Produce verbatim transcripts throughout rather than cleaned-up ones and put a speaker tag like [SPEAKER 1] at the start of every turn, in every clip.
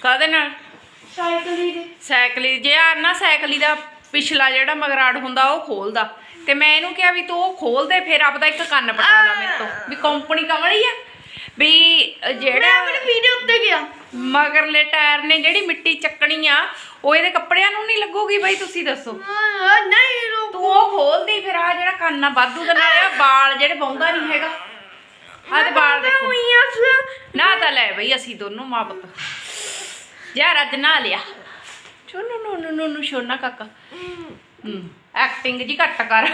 [SPEAKER 1] ਕਾਹਦੇ ਨਾਲ?
[SPEAKER 2] ਸਾਈਕਲੀ ਦੇ।
[SPEAKER 1] ਸਾਈਕਲੀ ਜੇ ਆ ਨਾ ਸਾਈਕਲੀ ਦਾ ਪਿਛਲਾ ਜਿਹੜਾ ਮਗਰਾੜ ਹੁੰਦਾ ਉਹ ਖੋਲਦਾ ਤੇ ਮੈਂ ਇਹਨੂੰ ਕਿਹਾ ਵੀ ਤੂੰ ਉਹ ਖੋਲ ਦੇ ਫਿਰ ਆਪਦਾ ਇੱਕ ਕੰਨ ਪਟਾ ਲਾ ਮੇਰੇ ਤੋਂ ਵੀ ਕੰਪਨੀ ਕਮਲੀ ਆ ਵੀ ਜਿਹੜਾ
[SPEAKER 2] ਆਪਣੇ ਵੀਡੀਓ ਉੱਤੇ ਗਿਆ
[SPEAKER 1] ਮਗਰਲੇ ਟਾਇਰ ਨੇ ਜਿਹੜੀ ਮਿੱਟੀ ਚੱਕਣੀ ਆ ਉਹ ਇਹਦੇ ਕੱਪੜਿਆਂ ਨੂੰ ਨਹੀਂ ਲੱਗੂਗੀ ਬਾਈ ਤੁਸੀਂ ਦੱਸੋ।
[SPEAKER 2] ਨਹੀਂ
[SPEAKER 1] ਤੂੰ ਉਹ ਖੋਲਦੀ ਫਿਰ ਆ ਜਿਹੜਾ ਕੰਨ ਆ ਵਾਧੂ ਦਾ ਨਾਲ ਆ ਬਾਲ ਜਿਹੜੇ ਪਾਉਂਦਾ ਨਹੀਂ ਹੈਗਾ ਆ ਤੇ ਬਾਲ ਦੇਖੋ ਨਾ ਤਾਂ ਲੈ ਬਈ ਅਸੀਂ ਦੋਨੋਂ ਮਾਂ ਪੁੱਤ ਯਾਰ ਅੱਜ ਨਾ ਲਿਆ ਚੋਨੂ ਨੂੰ ਨੂੰ ਨੂੰ ਨੂੰ ਸ਼ੋਨਾ ਕਾਕਾ ਹੂੰ ਐਕਟਿੰਗ ਜੀ ਘੱਟ ਕਰ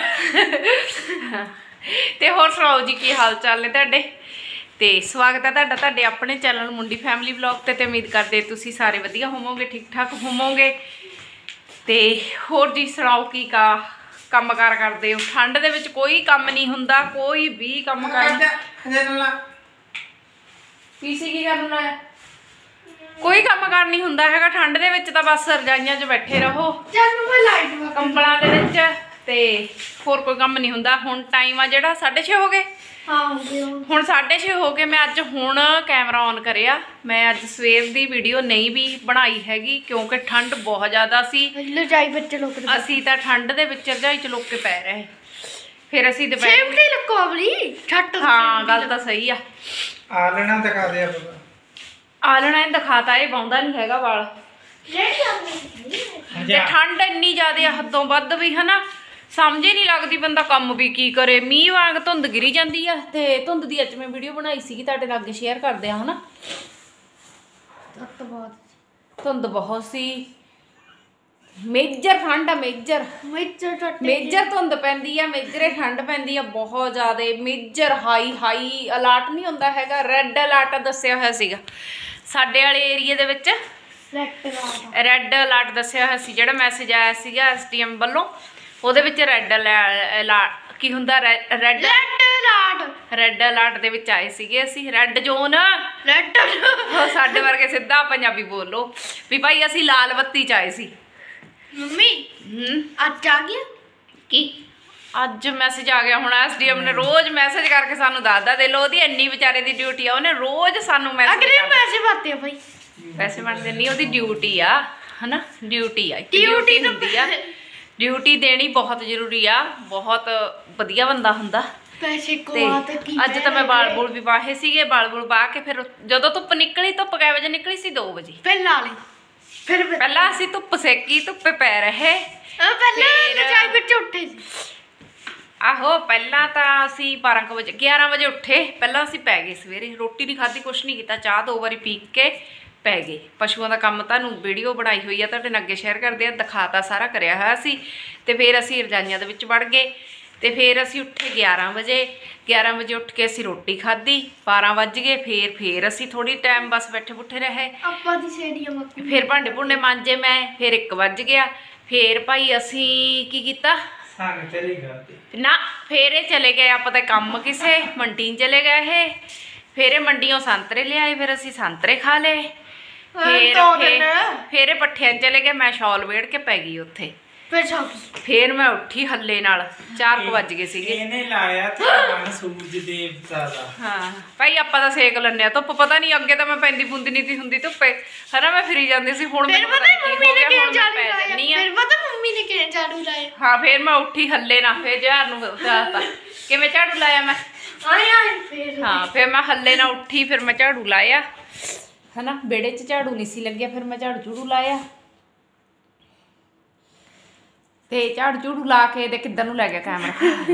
[SPEAKER 1] ਤੇ ਹੋਰ ਸੁਣਾਓ ਜੀ ਕੀ ਹਾਲ ਚਾਲ ਨੇ ਤੁਹਾਡੇ ਤੇ ਸਵਾਗਤ ਹੈ ਤੁਹਾਡਾ ਤੁਹਾਡੇ ਆਪਣੇ ਚੈਨਲ ਮੁੰਡੀ ਫੈਮਿਲੀ ਵਲੌਗ ਤੇ ਤੇ ਉਮੀਦ ਕਰਦੇ ਤੁਸੀਂ ਸਾਰੇ ਵਧੀਆ ਹੋਵੋਗੇ ਠੀਕ ਠਾਕ ਹੋਵੋਗੇ ਤੇ ਹੋਰ ਜੀ ਸੁਣਾਓ ਕੀ ਕਾ ਕੰਮ ਕਾਰ ਕਰਦੇ ਹੋ। ਠੰਡ ਦੇ ਵਿੱਚ ਕੋਈ ਕੰਮ ਨਹੀਂ ਹੁੰਦਾ ਕੋਈ ਵੀ ਕੰਮ ਕਰਨਾ ਪੀਸੀ ਕੀ ਕਰਨ ਲਾਇਆ ਕੋਈ ਕੰਮ ਕਾਰ ਨਹੀਂ ਹੁੰਦਾ ਹੈਗਾ ਠੰਡ ਦੇ ਵਿੱਚ ਤਾਂ ਬਸ ਰਜਾਈਆਂ 'ਚ ਬੈਠੇ ਰਹੋ ਕੰਬਲਾਂ ਦੇ ਵਿੱਚ ਤੇ ਹੋਰ ਕੋਈ ਕੰਮ ਨਹੀਂ ਹੁੰਦਾ। ਹੁਣ ਟਾਈਮ ਆ ਜਿਹੜਾ ਸਾਢੇ ਛੇ ਹੋ ਗਏ ਹੁਣ ਸਾਢੇ ਛੇ ਹੋ ਗਏ ਮੈਂ ਅੱਜ ਹੁਣ ਕੈਮਰਾ ਔਨ ਕਰਿਆ ਮੈਂ ਅੱਜ ਸਵੇਰ ਦੀ ਵੀਡੀਓ ਨਹੀਂ ਵੀ ਬਣਾਈ ਹੈਗੀ ਕਿਉਂਕਿ ਠੰਡ ਬਹੁਤ ਜ਼ਿਆਦਾ ਸੀ
[SPEAKER 2] ਰਜਾਈ ਵਿੱਚ ਲੁਕ
[SPEAKER 1] ਅਸੀਂ ਤਾਂ ਠੰਡ ਦੇ ਵਿੱਚ ਰਜਾਈ 'ਚ ਲੁਕ ਕੇ ਪੈ ਰਹੇ ਫਿਰ ਅਸੀਂ ਦੁਪਹਿਰ ਹਾਂ ਗੱਲ ਤਾਂ ਸਹੀ ਆ
[SPEAKER 3] ਆਲਣਾ ਦਿਖਾ ਦੇ
[SPEAKER 1] ਆਲਣਾ ਇਹ ਦਿਖਾਤਾ ਇਹ ਬਾਉਂਦਾ ਨਹੀਂ ਹੈਗਾ ਵਾਲ ਤੇ ਠੰਡ ਇੰਨੀ ਜ਼ਿਆਦਾ ਆ ਹੱਦੋਂ ਵੱਧ ਵੀ ਹਨਾ ਸਮਝ ਹੀ ਨਹੀਂ ਲੱਗਦੀ ਬੰਦਾ ਕੰਮ ਵੀ ਕੀ ਕਰੇ ਮੀਂਹ ਵਾਂਗ ਧੁੰਦ ਗਿਰੀ ਜਾਂਦੀ ਆ ਤੇ ਧੁੰਦ ਦੀ ਅੱਜ ਮੈਂ ਵੀਡੀਓ ਬਣਾਈ ਸੀਗੀ ਤੁਹਾਡੇ ਨਾਲ ਅੱਗੇ ਸ਼ੇਅਰ ਕਰਦੇ ਆ ਹਨਾ ਧੁੰਦ ਬਹੁਤ ਸੀ ਮੇਜਰ ਠੰਡ ਆ ਮੇਜਰ
[SPEAKER 2] ਮੇਜਰ
[SPEAKER 1] ਮੇਜਰ ਧੁੰਦ ਪੈਂਦੀ ਆ ਮੇਜਰੇ ਠੰਡ ਪੈਂਦੀ ਆ ਬਹੁਤ ਜ਼ਿਆਦਾ ਮੇਜਰ ਹਾਈ ਹਾਈ ਅਲਰਟ ਨਹੀਂ ਹੁੰਦਾ ਹੈਗਾ ਰੈੱਡ ਅਲਰਟ ਦੱਸਿਆ ਹੋਇਆ ਸੀਗਾ ਸਾਡੇ ਵਾਲੇ ਏਰੀਏ ਦੇ ਵਿੱਚ ਰੈੱਡ ਅਲਰਟ ਦੱਸਿਆ ਹੋਇਆ ਸੀ ਜਿਹੜਾ ਮੈਸੇਜ ਆਇਆ ਸੀਗਾ ਐਸ ਡੀ ਐਮ ਵੱਲੋਂ ਉਹਦੇ ਵਿੱਚ ਰੈੱਡ ਅਲਰਟ ਕੀ ਹੁੰਦਾ red red alert red alert ਦੇ ਵਿੱਚ ਆਏ ਸੀਗੇ ਅਸੀਂ ਰੈੱਡ ਜ਼ੋਨ
[SPEAKER 2] ਰੈੱਡ
[SPEAKER 1] ਸਾਡੇ ਵਰਗੇ ਸਿੱਧਾ ਪੰਜਾਬੀ ਬੋਲੋ ਵੀ ਭਾਈ ਅਸੀਂ ਲਾਲ ਬੱਤੀ 'ਚ ਆਏ ਸੀ।
[SPEAKER 2] ਮੰਮੀ
[SPEAKER 1] ਹੂੰ
[SPEAKER 2] ਅੱਜ ਆ ਗਿਆ
[SPEAKER 1] ਕੀ ਅੱਜ ਮੈਸੇਜ ਆ ਗਿਆ ਹੁਣ ਐਸ ਡੀ ਐਮ ਨੇ ਰੋਜ਼ ਮੈਸੇਜ ਕਰਕੇ ਸਾਨੂੰ ਦੱਸਦਾ ਦੇ ਲੋ ਉਹਦੀ ਇੰਨੀ ਵਿਚਾਰੇ ਦੀ ਡਿਊਟੀ ਆ ਉਹਨੇ ਰੋਜ਼ ਸਾਨੂੰ ਮੈਸੇਜ
[SPEAKER 2] ਅਗਲੇ ਪੈਸੇ ਭਰਤੇ ਆ ਭਾਈ
[SPEAKER 1] ਪੈਸੇ ਬਣਦੇ ਨਹੀਂ ਉਹਦੀ ਡਿਊਟੀ ਆ ਹਨਾ ਡਿਊਟੀ ਆ ਡਿਊਟੀ ਹੁੰਦੀ ਆ ਡਿਊਟੀ ਦੇਣੀ ਬਹੁਤ ਜ਼ਰੂਰੀ ਆ ਬਹੁਤ ਵਧੀਆ ਬੰਦਾ ਹੁੰਦਾ
[SPEAKER 2] ਪੈਸੇ
[SPEAKER 1] ਤੇ ਅੱਜ ਤਾਂ ਮੈਂ ਬਾਲ ਬੁਲ ਵੀ ਵਾਹੇ ਸੀਗੇ ਬਾਲ ਬੁਲ ਵਾਹ ਕੇ ਫਿਰ ਜਦੋਂ ਧੁੱਪ ਨਿਕਲੀ ਧੁੱਪ ਕਿੰਨੇ ਵਜੇ ਨਿਕਲੀ ਸੀ ਦੋ ਵਜੇ
[SPEAKER 2] ਫਿਰ ਲਾ ਲਈ ਫਿਰ
[SPEAKER 1] ਪਹਿਲਾਂ ਅਸੀਂ ਧੁੱਪ ਸੇਕੀ ਧੁੱਪੇ ਪੈ ਰਹੇ
[SPEAKER 2] ਪਹਿਲਾਂ ਰਜਾਈ ਵਿੱਚ ਉੱਠੇ ਸੀ
[SPEAKER 1] ਆਹੋ ਪਹਿਲਾਂ ਤਾਂ ਅਸੀਂ ਬਾਰਾਂ ਕੁ ਵਜੇ ਗਿਆਰਾਂ ਵਜੇ ਉੱਠੇ ਪਹਿਲਾਂ ਅਸੀਂ ਪੈ ਗਏ ਸਵੇਰੇ ਰੋਟੀ ਨਹੀਂ ਖਾਧੀ ਕੁਛ ਨਹੀਂ ਕੀਤਾ ਚਾਹ ਦੋ ਵਾਰੀ ਪੀ ਕੇ ਪੈ ਗਏ ਪਸ਼ੂਆਂ ਦਾ ਕੰਮ ਤੁਹਾਨੂੰ ਵੀਡੀਓ ਬਣਾਈ ਹੋਈ ਆ ਤੁਹਾਡੇ ਨਾਲ ਅੱਗੇ ਸ਼ੇਅਰ ਕਰਦੇ ਆ ਦਿਖਾਤਾ ਸਾਰਾ ਕਰਿਆ ਹੋਇਆ ਸੀ ਤੇ ਫਿਰ ਅਸੀਂ ਰਜਾਈਆਂ ਦੇ ਵਿੱਚ ਵੜ ਗਏ ਤੇ ਫਿਰ ਅਸੀਂ ਉੱਠੇ ਗਿਆਰਾਂ ਵਜੇ ਗਿਆਰਾਂ ਵਜੇ ਉੱਠ ਕੇ ਅਸੀਂ ਰੋਟੀ ਖਾਧੀ ਬਾਰਾਂ ਵੱਜ ਗਏ ਫਿਰ ਫਿਰ ਅਸੀਂ ਥੋੜੀ ਟਾਈਮ ਬਸ ਬੈਠੇ ਬੁੱਠੇ ਰਹੇ
[SPEAKER 2] ਆਪਾਂ ਦੀ ਸੇੜੀਆਂ
[SPEAKER 1] ਫਿਰ ਭਾਂਡੇ ਭੁੰਡੇ ਮਾਂਜੇ ਮੈਂ ਫਿਰ ਇੱਕ ਵੱਜ ਗਿਆ ਫਿਰ ਭਾਈ ਅਸੀਂ ਕੀ ਕੀਤਾ
[SPEAKER 3] ਚਲੇ
[SPEAKER 1] ਨਾ ਫਿਰ ਇਹ ਚਲੇ ਗਏ ਆਪਾਂ ਤਾਂ ਕੰਮ ਕਿਸੇ ਮੰਡੀ ਚਲੇ ਗਏ ਇਹ ਫਿਰ ਇਹ ਮੰਡੀੋਂ ਸੰਤਰੇ ਲਿਆਏ ਫਿਰ ਅਸੀਂ ਸੰਤਰੇ ਖਾ ਲਏ ਫਿਰ ਫਿਰ ਇਹ ਪੱਠਿਆਂ ਚਲੇ ਗਏ ਮੈਂ ਸ਼ਾਲ ਵੇੜ ਕੇ ਪੈ ਗਈ ਉੱਥੇ ਫਿਰ ਮੈਂ ਉੱਠੀ ਹੱਲੇ ਨਾਲ ਚਾਰ ਕੁ ਵੱਜ ਗਏ ਸੀਗੇ
[SPEAKER 3] ਇਹਨੇ ਲਾਇਆ ਤੇ ਸੂਰਜ ਦੇਵਤਾ ਦਾ
[SPEAKER 1] ਹਾਂ ਭਾਈ ਆਪਾਂ ਤਾਂ ਸੇਕ ਲੈਂਦੇ ਆ ਧੁੱਪ ਪਤਾ ਨਹੀਂ ਅੱਗੇ ਤਾਂ ਮੈਂ ਪੈਂਦੀ ਪੁੰਦੀ ਨਹੀਂ ਤੀ ਹੁੰਦੀ ਧੁੱਪੇ ਹਨਾ ਮੈਂ ਫਿਰੀ ਜਾਂਦੀ ਸੀ ਹੁਣ ਮੈਨੂੰ ਪਤਾ ਨਹੀਂ
[SPEAKER 2] ਮੰਮੀ ਨੇ ਕਿਹਨ ਝਾੜੂ
[SPEAKER 1] ਪੈ ਜਾਂਦੀ ਆ
[SPEAKER 2] ਫਿਰ ਪਤਾ ਮੰਮੀ ਨੇ ਕਿਹਨ ਝਾੜੂ ਲਾਇਆ
[SPEAKER 1] ਹਾਂ ਫਿਰ ਮੈਂ ਉੱਠੀ ਹੱਲੇ ਨਾਲ ਫਿਰ ਜਹਰ ਨੂੰ ਦੱਸਤਾ ਕਿਵੇਂ ਝਾੜੂ ਲਾਇਆ ਮੈਂ
[SPEAKER 2] ਆਇਆ ਫਿਰ
[SPEAKER 1] ਹਾਂ ਫਿਰ ਮੈਂ ਹੱਲੇ ਨਾਲ ਉੱਠੀ ਫਿਰ ਮੈਂ ਝਾੜੂ ਲਾਇਆ ਹਨਾ ਵਿਹੜੇ 'ਚ ਝਾੜੂ ਨਹੀਂ ਸੀ ਲੱਗਿਆ ਫਿਰ ਮੈਂ ਝਾੜੂ ਝੂੜੂ ਲਾਇਆ ਤੇ ਝਾੜੂ ਝੂੜੂ ਲਾ ਕੇ ਤੇ ਕਿੱਧਰ ਨੂੰ ਲੈ ਗਿਆ ਕੈਮਰਾ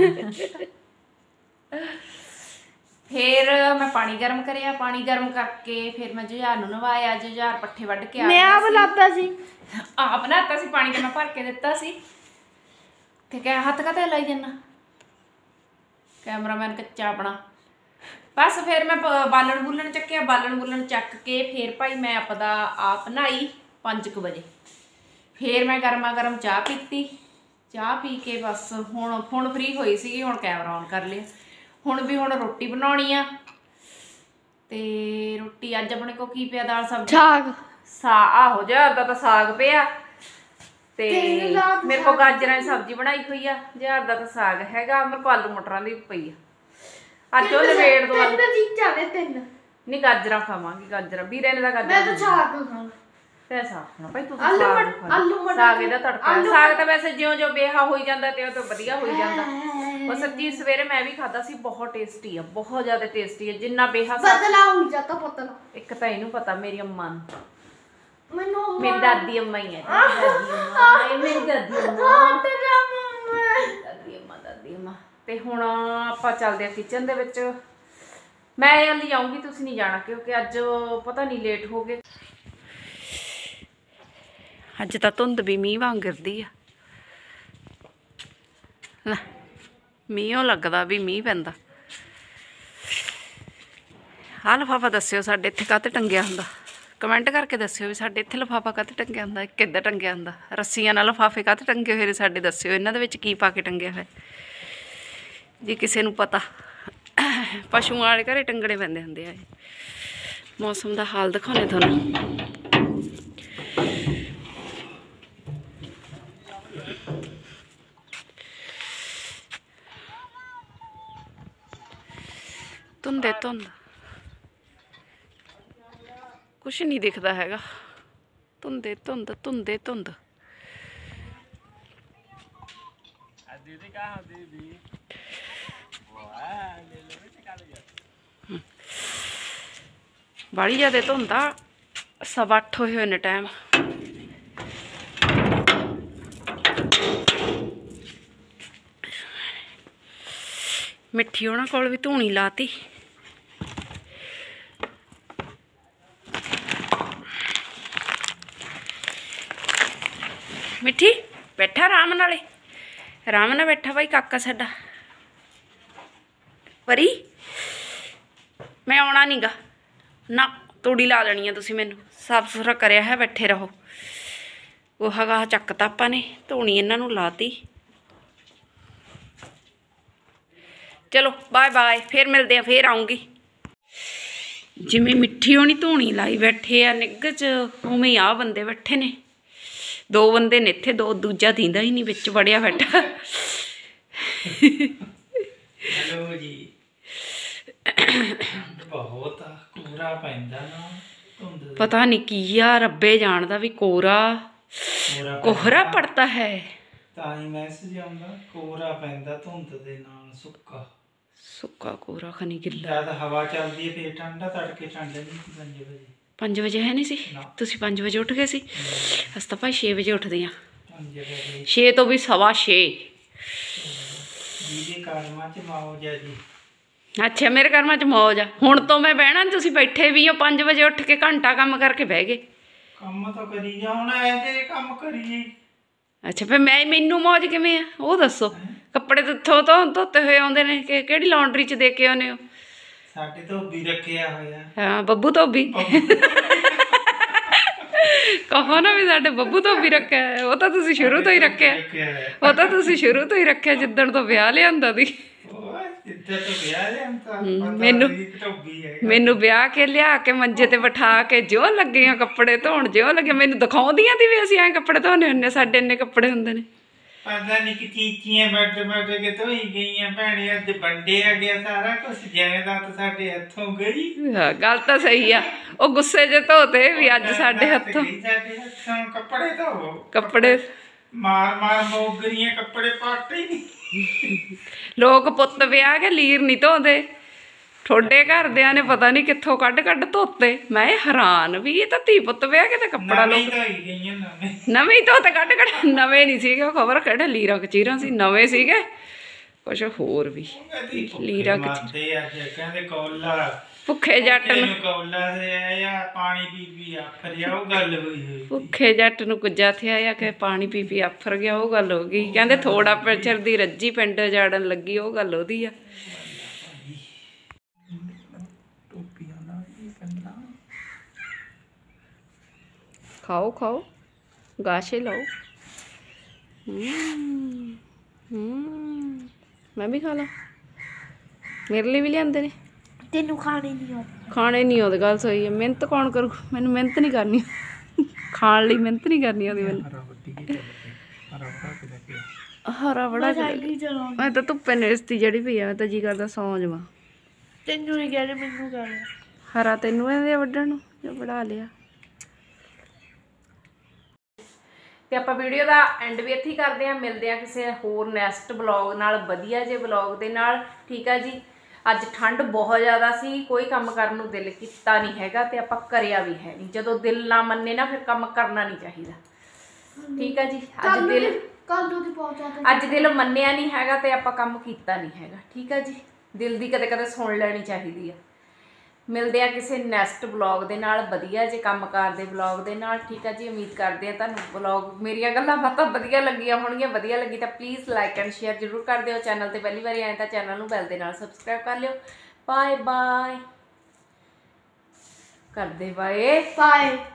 [SPEAKER 1] ਫਿਰ ਮੈਂ ਪਾਣੀ ਗਰਮ ਕਰਿਆ ਪਾਣੀ ਗਰਮ ਕਰਕੇ ਫਿਰ ਮੈਂ ਜੁਝਾਰ ਨੂੰ ਨਵਾਇਆ ਜੁਝਾਰ ਪੱਠੇ ਵੱਢ ਕੇ ਆ
[SPEAKER 2] ਮੈਂ ਆਪ ਲਾਤਾ ਸੀ
[SPEAKER 1] ਆਪ ਬਣਾਤਾ ਸੀ ਪਾਣੀ ਤੇ ਮੈਂ ਭਰ ਕੇ ਦਿੱਤਾ ਸੀ ਤੇ ਕਹਿ ਹੱਥ ਕਾਹਤੇ ਲਾਈ ਜਾਂਦਾ ਕੈਮਰਾਮੈਨ ਕੱਚਾ ਆਪਣਾ ਬਸ ਫਿਰ ਮੈਂ ਬਾਲਣ ਬੁੱਲਣ ਚੱਕਿਆ ਬਾਲਣ ਬੁੱਲਣ ਚੱਕ ਕੇ ਫਿਰ ਭਾਈ ਮੈਂ ਆਪਦਾ ਆਪ ਨਹਾਈ ਪੰਜ ਕੁ ਵਜੇ ਫਿਰ ਮੈਂ ਗਰਮਾ ਗਰਮ ਚਾਹ ਪੀਤੀ ਚਾਹ ਪੀ ਕੇ ਬਸ ਹੁਣ ਹੁਣ ਫ੍ਰੀ ਹੋਈ ਸੀਗੀ ਹੁਣ ਕੈਮਰਾ ਔਨ ਕਰ ਲਿਆ ਹੁਣ ਵੀ ਹੁਣ ਰੋਟੀ ਬਣਾਉਣੀ ਆ ਤੇ ਰੋਟੀ ਅੱਜ ਆਪਣੇ ਕੋ ਕੀ ਪਿਆ ਦਾਲ ਸਬਜ਼ੀ
[SPEAKER 2] ਸਾਗ
[SPEAKER 1] ਸਾ ਆਹੋ ਜਹਰ ਦਾ ਤਾਂ ਸਾਗ ਪਿਆ ਤੇ ਮੇਰੇ ਕੋ ਗਾਜਰਾਂ ਦੀ ਸਬਜ਼ੀ ਬਣਾਈ ਹੋਈ ਆ ਜਹਰ ਦਾ ਤਾਂ ਸਾਗ ਹੈਗਾ ਮੇਰੇ ਕੋ ਆਲੂ ਮਟਰਾਂ ਦੀ ਪਈ ਆ ਅੱਜ ਉਹ ਲਵੇੜ ਦੋ
[SPEAKER 2] ਤਿੰਨ ਚੀਜ਼ਾਂ ਨੇ ਤਿੰਨ
[SPEAKER 1] ਨਹੀਂ ਗਾਜਰਾਂ ਖਾਵਾਂਗੀ ਗਾਜਰਾਂ ਵੀਰੇ ਨੇ ਤਾਂ
[SPEAKER 2] ਮੈਂ
[SPEAKER 1] ਗਾਜਰਾਂ
[SPEAKER 2] ਤਾਂ ਸਾਗ ਖਾਣਾ
[SPEAKER 1] ਤੇ ਸਾਗ ਨਾ ਭਾਈ ਤੂੰ
[SPEAKER 2] ਆਲੂ
[SPEAKER 1] ਸਾਗ
[SPEAKER 2] ਮਟ-
[SPEAKER 1] ਖਾ।
[SPEAKER 2] ਆਲੂ ਮਟਰ-
[SPEAKER 1] ਸਾਗ ਇਹਦਾ ਤੜਕਾ
[SPEAKER 2] ਆਲੂ
[SPEAKER 1] ਸਾਗ ਤਾਂ ਵੈਸੇ ਜਿਉਂ ਜਿਉਂ ਬੇਹਾ ਹੋਈ ਜਾਂਦਾ ਤੇ ਉਹ ਤਾਂ ਵਧੀਆ ਹੋਈ ਜਾਂਦਾ। ਉਹ ਸੱਚੀ ਸਵੇਰੇ ਮੈਂ ਵੀ ਖਾਦਾ ਸੀ, ਬਹੁਤ ਟੇਸਟੀ ਆ, ਬਹੁਤ ਜ਼ਿਆਦਾ ਟੇਸਟੀ ਆ। ਜਿੰਨਾ ਬੇਹਾ ਸਾਗ
[SPEAKER 2] ਪਤਲਾ ਹੋ ਜਾਤਾ ਪਤਲਾ।
[SPEAKER 1] ਇੱਕ ਤਾਂ ਇਹਨੂੰ ਪਤਾ ਮੇਰੀ ਅੰਮਾ ਨੂੰ,
[SPEAKER 2] ਮੈਨੂੰ
[SPEAKER 1] ਮੇਰੀ ਦਾਦੀ ਅੰਮਾ ਹੀ ਹੈ। ਦਾਦੀ ਅੰਮਾ ਇਹ ਮੇਰੀ ਦਾਦੀ ਅੰਮਾ
[SPEAKER 2] ਤੇਰਾ ਮੰਮਾ
[SPEAKER 1] ਦਾਦੀ ਅੰਮਾ ਦਾਦੀ ਅੰਮਾ। ਤੇ ਹੁਣ ਆਪਾਂ ਚੱਲਦੇ ਆ ਕਿਚਨ ਦੇ ਵਿੱਚ। ਮੈਂ ਹਾਲੇ ਜਾਊਂਗੀ, ਤੁਸੀਂ ਨਹੀਂ ਜਾਣਾ ਕਿਉਂਕਿ ਅੱਜ ਪਤਾ ਨਹੀਂ ਲੇਟ ਹੋ ਗਏ। ਅੱਜ ਤਾਂ ਧੁੰਦ ਵੀ ਮੀਂਹ ਵਾਂਗ ਗਿਰਦੀ ਆ। ਲੈ ਮੀਂਹੋਂ ਲੱਗਦਾ ਵੀ ਮੀਂਹ ਪੈਂਦਾ। ਆਹ ਲਿਫਾਫਾ ਦੱਸਿਓ ਸਾਡੇ ਇੱਥੇ ਕਾਹਤੇ ਟੰਗਿਆ ਹੁੰਦਾ, ਕਮੈਂਟ ਕਰਕੇ ਦੱਸਿਓ ਵੀ ਸਾਡੇ ਇੱਥੇ ਲਿਫਾਫਾ ਕਾਹਤੇ ਟੰਗਿਆ ਹੁੰਦਾ, ਕਿੱਦਾਂ ਟੰਗਿਆ ਹੁੰਦਾ। ਰੱਸੀਆਂ ਨਾਲ ਲਿਫਾਫੇ ਕਾਹਤੇ ਟੰਗੇ ਹੋਏ ਨੇ ਸਾਡੇ ਦੱਸਿਓ, ਇਹਨਾਂ ਦੇ ਵਿੱਚ ਕੀ ਪਾ ਕੇ ਟੰਗਿਆ ਹੋਇਆ ਜੇ ਕਿਸੇ ਨੂੰ ਪਤਾ। ਪਸ਼ੂਆਂ ਵਾਲੇ ਘਰੇ ਟੰਗਣੇ ਪੈਂਦੇ ਹੁੰਦੇ ਆ ਇਹ। ਮੌਸਮ ਦਾ ਹਾਲ ਦਿਖਾਉਣੇ ਤੁਹਾਨੂੰ। ਧੁੰਦੇ ਧੁੰਦ ਕੁਛ ਨਹੀਂ ਦਿਖਦਾ ਹੈਗਾ। ਧੁੰਦੇ ਧੁੰਦ ਧੁੰਦੇ ਧੁੰਦ। ਬਾੜੀ ਜ਼ਿਆਦਾ ਧੁੰਦਾ, ਸਵਾ ਅੱਠ ਹੋਏ ਹੋਏ ਨੇ ਟਾਈਮ। ਮਿੱਠੀ ਉਹਨਾਂ ਕੋਲ ਵੀ ਧੂਣੀ ਲਾਤੀ। ਮਿੱਠੀ ਬੈਠਾ ਆਰਾਮ ਨਾਲੇ, ਆਰਾਮ ਨਾਲ ਬੈਠਾ ਭਾਈ ਕਾਕਾ ਸਾਡਾ। ਪਰੀ ਮੈਂ ਆਉਣਾ ਨੀ ਗਾ ਨਾ, ਤੂੜੀ ਲਾ ਦੇਣੀ ਆ ਤੁਸੀਂ ਮੈਨੂੰ। ਸਾਫ ਸੁਥਰਾ ਕਰਿਆ ਹੈ, ਬੈਠੇ ਰਹੋ। ਉਹ ਹੈਗਾ ਚੱਕਤਾ ਆਪਾਂ ਨੇ, ਧੂਣੀ ਇਹਨਾਂ ਨੂੰ ਲਾਤੀ। ਚਲੋ ਬਾਏ ਬਾਏ, ਫੇਰ ਮਿਲਦੇ ਆ, ਫੇਰ ਆਉਂਗੀ। ਜਿਵੇਂ ਮਿੱਠੀ ਹੋਣੀ ਧੂਣੀ ਲਾਈ ਬੈਠੇ ਆ ਨਿੱਘ 'ਚ, ਉਵੇਂ ਹੀ ਆ ਬੰਦੇ ਬੈਠੇ ਨੇ। ਦੋ ਬੰਦੇ ਨੇ ਇੱਥੇ, ਦੋ ਦੂਜਾ ਦੀਂਦਾ ਹੀ ਨਹੀਂ, ਵਿੱਚ ਵੜਿਆ ਬੈਠਾ।
[SPEAKER 3] ਹੈਲੋ ਜੀ। ਬਹੁਤ ਕੋਹਰਾ ਪੈਂਦਾ ਨਾ, ਧੁੰਦ
[SPEAKER 1] ਪਤਾ ਨਹੀਂ ਕੀ ਆ, ਰੱਬੇ ਜਾਣਦਾ ਵੀ ਕੋਰਾ
[SPEAKER 3] ਕੋਹਰਾ
[SPEAKER 1] ਕੋਹਰਾ
[SPEAKER 3] ਪੈਂਦਾ।
[SPEAKER 1] ਪੜਤਾ ਹੈ।
[SPEAKER 3] ਤਾਂ ਹੀ ਮੈਸੇਜ ਆਉਂਦਾ, ਕੋਹਰਾ ਪੈਂਦਾ ਧੁੰਦ ਦੇ ਨਾਲ, ਸੁੱਕਾ
[SPEAKER 1] ਸੁੱਕਾ ਕੋਰਾ ਖਨੀ ਗਿੱਲਾ।
[SPEAKER 3] ਜਦ ਹਵਾ ਚੱਲਦੀ ਹੈ ਫੇਰ ਠੰਡਾ, ਤੜਕੇ ਠੰਡ ਨਹੀਂ ਪੰਜ ਵਜੇ।
[SPEAKER 1] ਪੰਜ ਵਜੇ ਹੈ ਨਹੀਂ ਸੀ?
[SPEAKER 3] ਨਾ।
[SPEAKER 1] ਤੁਸੀਂ ਪੰਜ ਵਜੇ ਉੱਠ ਗਏ ਸੀ? ਅਸੀਂ ਤਾਂ ਭਾਈ ਛੇ ਵਜੇ ਉੱਠਦੇ ਹਾਂ।
[SPEAKER 3] ਪੰਜ ਵਜੇ
[SPEAKER 1] ਛੇ ਤੋਂ ਵੀ ਸਵਾ ਛੇ।
[SPEAKER 3] ਜਿਹਦੇ ਕਰਮਾਂ ਚ ਮੌਜ ਹੈ ਜੀ।
[SPEAKER 1] ਅੱਛਾ ਮੇਰੇ ਕਰਮਾਂ 'ਚ ਮੌਜ ਆ। ਹੁਣ ਤੋਂ ਮੈਂ ਬਹਿਣਾ ਨੀ, ਤੁਸੀਂ ਬੈਠੇ ਵੀ ਹੋ ਪੰਜ ਵਜੇ ਉੱਠ ਕੇ ਘੰਟਾ ਕੰਮ ਕਰਕੇ ਬਹਿ ਗਏ।
[SPEAKER 3] ਕੰਮ ਤਾਂ ਕਰੀ ਜਾ, ਹੁਣ ਐ ਜੇ ਕੰਮ ਕਰੀਏ।
[SPEAKER 1] ਅੱਛਾ ਫਿਰ ਮੈਂ ਮੈਨੂੰ ਮੌਜ ਕਿਵੇਂ ਆ ਉਹ ਦੱਸੋ। ਕੱਪੜੇ ਧੋ ਧੋ ਧੋਤੇ ਹੋਏ ਆਉਂਦੇ ਨੇ ਕਿ ਕਿਹੜੀ ਲਾਂਡਰੀ 'ਚ ਦੇ ਕੇ ਆਉਂਦੇ ਹੋ?
[SPEAKER 3] ਸਾਡੇ ਧੋਬੀ ਰੱਖਿਆ ਹੋਇਆ।
[SPEAKER 1] ਹਾਂ ਬੱਬੂ ਧੋਬੀ। ਕਹੋ ਨਾ ਵੀ ਸਾਡੇ ਬੱਬੂ ਧੋਬੀ ਰੱਖਿਆ ਹੈ। ਉਹ ਤਾਂ ਤੁਸੀਂ ਸ਼ੁਰੂ ਤੋਂ ਹੀ ਰੱਖਿਆ, ਉਹ ਤਾਂ ਤੁਸੀਂ ਸ਼ੁਰੂ ਤੋਂ ਹੀ ਰੱਖਿਆ ਜਿੱਦਣ ਤੋਂ ਵਿਆਹ ਲਿਆਂਦਾ ਦੀ। ਮੈਨੂੰ ਮੈਨੂੰ ਵਿਆਹ ਕੇ ਲਿਆ ਕੇ ਮੰਜੇ ਤੇ ਬਿਠਾ ਕੇ ਜਿਉਂ ਲੱਗੇ ਆ ਕੱਪੜੇ ਧੋਣ, ਜਿਉਂ ਲੱਗੇ ਮੈਨੂੰ ਦਿਖਾਉਂਦੀਆਂ ਤੀ ਵੀ ਅਸੀਂ ਐਂ ਕੱਪੜੇ ਧੋਣੇ ਹੁੰਦੇ, ਸਾਡੇ ਇੰਨੇ ਕੱਪੜੇ ਹੁੰਦੇ ਨੇ।
[SPEAKER 3] ਪਤਾ ਨਹੀਂ ਕਿ ਚੀਚੀਆਂ ਬੈਠ ਬੈਠ ਕੇ ਧੋਈ ਗਈਆਂ ਭੈਣੇ, ਅੱਜ ਵੰਡੇ ਆ ਗਿਆ ਸਾਰਾ ਕੁਝ, ਜਾਇਦਾਦ ਸਾਡੇ ਹੱਥੋਂ ਗਈ।
[SPEAKER 1] ਹਾਂ ਗੱਲ ਤਾਂ ਸਹੀ ਆ, ਉਹ ਗੁੱਸੇ 'ਚ ਧੋਤੇ ਵੀ ਅੱਜ ਸਾਡੇ ਹੱਥੋਂ।
[SPEAKER 3] ਸਾਡੇ ਹੱਥੋਂ ਕੱਪੜੇ ਧੋਵੋ,
[SPEAKER 1] ਕੱਪੜੇ
[SPEAKER 3] ਮਾਰ ਮਾਰ ਮੋਗਰੀਆਂ, ਕੱਪੜੇ ਪਾਟੇ ਹੀ ਨਹੀਂ।
[SPEAKER 1] ਲੋਕ ਪੁੱਤ ਵਿਆਹ ਕੇ ਲੀਰ ਨਹੀਂ ਧੋਂਦੇ, ਠੋਡੇ ਘਰਦਿਆਂ ਨੇ ਪਤਾ ਨਹੀਂ ਕਿੱਥੋਂ ਕੱਢ ਕੱਢ ਧੋਤੇ। ਮੈਂ ਹੈਰਾਨ ਵੀ ਇਹ ਤਾਂ ਧੀ ਪੁੱਤ ਵਿਆਹ ਕੇ ਤਾਂ ਕੱਪੜਾ ਲੋਕ
[SPEAKER 3] ਗਈਆਂ ਨਵੇਂ
[SPEAKER 1] ਨਵੇਂ ਹੀ ਧੋਤੇ ਕੱਢ ਕੱਢ। ਨਵੇਂ ਨਹੀਂ ਸੀਗੇ, ਉਹ ਖਬਰ ਕਿਹੜੇ ਲੀਰਾਂ ਕਚੀਰਾਂ ਸੀ, ਨਵੇਂ ਸੀਗੇ ਕੁਛ ਹੋਰ ਵੀ ਲੀਰਾਂ
[SPEAKER 3] ਮਾਰਦੇ ਆ ਕਹਿੰਦੇ ਕੋਲਾ
[SPEAKER 1] ਭੁੱਖੇ ਜੱਟ ਨੂੰ,
[SPEAKER 3] ਕੋਲਾ ਦੇ ਆ ਪਾਣੀ ਪੀ ਪੀ ਆਫਰ ਜਾ, ਉਹ ਗੱਲ ਹੋਈ ਹੋਈ।
[SPEAKER 1] ਭੁੱਖੇ ਜੱਟ ਨੂੰ ਕੁੱਜਾ ਥਿਆ ਆ ਕਿ ਪਾਣੀ ਪੀ ਪੀ ਆਫਰ ਗਿਆ, ਉਹ ਗੱਲ ਹੋ ਗਈ। ਕਹਿੰਦੇ ਥੋੜਾ ਪਿਛਰ ਦੀ ਰੱਜੀ ਪਿੰਡ ਜਾੜਨ ਲੱਗੀ, ਉਹ ਗੱਲ ਉਹਦੀ ਆ। ਖਾਓ ਖਾਓ ਗਾਸ਼ੇ ਲਾਓ। ਹੂੰ ਹੂੰ ਮੈਂ ਵੀ ਖਾ ਲਾ, ਮੇਰੇ ਲਈ ਵੀ ਲਿਆਂਦੇ ਨੇ।
[SPEAKER 2] ਤੈਨੂੰ ਖਾਣੇ ਨਹੀਂ ਆਉਂਦੇ?
[SPEAKER 1] ਖਾਣੇ ਨਹੀਂ ਆਉਂਦੇ, ਗੱਲ ਸਹੀ ਹੈ। ਮਿਹਨਤ ਕੌਣ ਕਰੂ? ਮੈਨੂੰ ਮਿਹਨਤ ਨਹੀਂ ਕਰਨੀ, ਖਾਣ ਲਈ ਮਿਹਨਤ ਨਹੀਂ ਕਰਨੀ ਆਉਂਦੀ ਮੈਨੂੰ। ਹਰਾ ਬੜਾ ਮੈਂ ਤਾਂ ਧੁੱਪੇ ਨੇਸਤੀ ਜਿਹੜੀ ਪਈ ਆ, ਮੈਂ ਤਾਂ ਜੀ ਕਰਦਾ ਸੌਂ ਜਾਵਾਂ।
[SPEAKER 2] ਤੈਨੂੰ ਨਹੀਂ ਕਹਿ ਰਹੇ, ਮੈਨੂੰ ਕਹਿ ਰਹੇ।
[SPEAKER 1] ਹਰਾ ਤੈਨੂੰ ਇਹਦੇ ਵੱਢਣ ਨੂੰ ਜੋ ਵੜਾ ਲਿਆ। ਤੇ ਆਪਾਂ ਵੀਡੀਓ ਦਾ ਐਂਡ ਵੀ ਇੱਥੇ ਹੀ ਕਰਦੇ ਹਾਂ। ਮਿਲਦੇ ਹਾਂ ਕਿਸੇ ਹੋਰ ਨੈਕਸਟ ਬਲੌਗ ਨਾਲ, ਵਧੀਆ ਜੇ ਬਲੌਗ ਦੇ ਨਾਲ। ਠੀਕ ਆ ਜੀ। ਅੱਜ ਠੰਡ ਬਹੁਤ ਜ਼ਿਆਦਾ ਸੀ, ਕੋਈ ਕੰਮ ਕਰਨ ਨੂੰ ਦਿਲ ਕੀਤਾ ਨਹੀਂ ਹੈਗਾ ਤੇ ਆਪਾਂ ਕਰਿਆ ਵੀ ਹੈ ਨਹੀਂ। ਜਦੋਂ ਦਿਲ ਨਾ ਮੰਨੇ ਨਾ ਫਿਰ ਕੰਮ ਕਰਨਾ ਨਹੀਂ ਚਾਹੀਦਾ। ਠੀਕ ਆ ਜੀ। ਅੱਜ ਦਿਲ
[SPEAKER 2] ਕੱਲ ਨੂੰ ਦੀ ਪਹੁੰਚਾ
[SPEAKER 1] ਅੱਜ ਦਿਲ ਮੰਨਿਆ ਨਹੀਂ ਹੈਗਾ ਤੇ ਆਪਾਂ ਕੰਮ ਕੀਤਾ ਨਹੀਂ ਹੈਗਾ। ਠੀਕ ਆ ਜੀ। ਦਿਲ ਦੀ ਕਦੇ ਕਦੇ ਸੁਣ ਲੈਣੀ ਚਾਹੀਦੀ ਆ। ਮਿਲਦੇ ਆ ਕਿਸੇ ਨੈਕਸਟ ਬਲੌਗ ਦੇ ਨਾਲ, ਵਧੀਆ ਜੇ ਕੰਮਕਾਰ ਦੇ ਬਲੌਗ ਦੇ ਨਾਲ। ਠੀਕ ਆ ਜੀ। ਉਮੀਦ ਕਰਦੇ ਆ ਤੁਹਾਨੂੰ ਬਲੌਗ ਮੇਰੀਆਂ ਗੱਲਾਂ ਬਾਤਾਂ ਵਧੀਆ ਲੱਗੀਆਂ ਹੋਣਗੀਆਂ। ਵਧੀਆ ਲੱਗੀ ਤਾਂ ਪਲੀਜ਼ ਲਾਈਕ ਐਂਡ ਸ਼ੇਅਰ ਜ਼ਰੂਰ ਕਰ ਦਿਓ। ਚੈਨਲ ਤੇ ਪਹਿਲੀ ਵਾਰੀ ਆਏ ਤਾਂ ਚੈਨਲ ਨੂੰ ਬੈਲ ਦੇ ਨਾਲ ਸਬਸਕ੍ਰਾਈਬ ਕਰ ਲਿਓ। ਬਾਏ ਬਾਏ ਕਰਦੇ ਬਾਏ
[SPEAKER 2] ਬਾਏ।